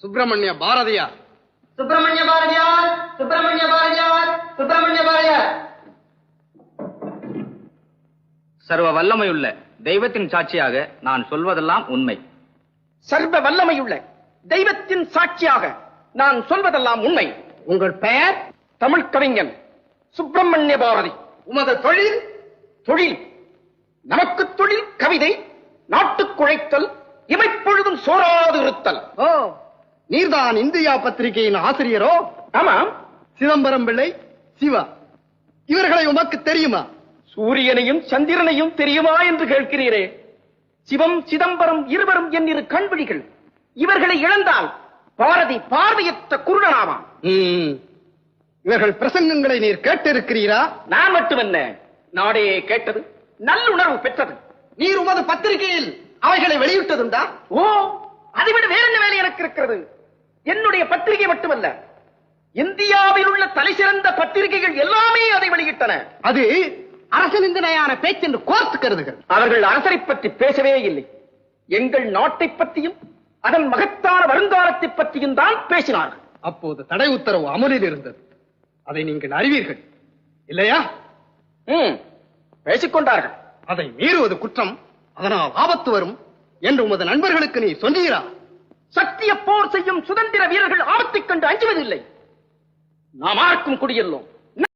சுப்பிரமணிய பாரதியார். சுப்பிரமணிய பாரதியார், சுப்பிரமணிய பாரதியார், சுப்பிரமணிய பாரதியார். சர்வ வல்லமையுள்ள தெய்வத்தின் சாட்சியாக நான் சொல்வதெல்லாம் உண்மை. சர்வ வல்லமையுள்ள தெய்வத்தின் சாட்சியாக நான் சொல்வதெல்லாம் உண்மை. உங்கள் பெயர்? தமிழ் கவிஞன் சுப்பிரமணிய பாரதி. உமது தொழில்? தொழில் நமக்கு தொழில் கவிதை, நாட்டுக் குழைத்தல், இமைப்பொழுதும் சோராது இருத்தல். ஓ, நீர்தான் இந்தியா பத்திரிகையின் ஆசிரியரோ? ஆமாம். சிதம்பரம் பிள்ளை, சிவா இவர்களை உமக்கு தெரியுமா? சூரியனையும் சந்திரனையும் தெரியுமா என்று கேட்கிறீரே. சிவம் சிதம்பரம் இருவரும் என் இரு கண்விழிகள். இவர்களை இழந்தால் பாரதி பார்வையற்ற குருடனாவான். இவர்கள் பிரசங்கங்களை நீர் கேட்டிருக்கிறீரா? நான் மட்டுமல்ல, நாடே கேட்டது, நல்லுணர்வு பெற்றது. நீர் உமது பத்திரிகையில் அவைகளை வெளியிட்டதுண்டா? ஓ, அதைவிட வேற என்ன வேலை எனக்கு இருக்கிறது? என்னுடைய பத்திரிகை மட்டுமல்ல, இந்தியாவில் உள்ள தலைசிறந்த பத்திரிகைகள் எல்லாமே அதை வெளியிட்டன. அது அரசு நிந்தனையான பேச்சென்று கோர்த்து கருதுகள். அவர்கள் அரசரை பற்றி பேசவே இல்லை. எங்கள் நாட்டை பற்றியும் அதன் மகத்தான வருங்காலத்தை பற்றியும் தான் பேசினார்கள். அப்போது தடை உத்தரவு அமலில் இருந்தது. அதை நீங்கள் அறிவீர்கள் இல்லையா? பேசிக்கொண்டார்கள். அதை மீறுவது குற்றம், அதனால் ஆபத்து வரும் என்று உமது நண்பர்களுக்கு நீ சொன்னீரா? சத்திய போர் செய்யும் சுதந்திர வீரர்கள் ஆபத்தைக் கண்டு அஞ்சுவதில்லை. நாம் ஆர்க்கும் குடியல்லோம்.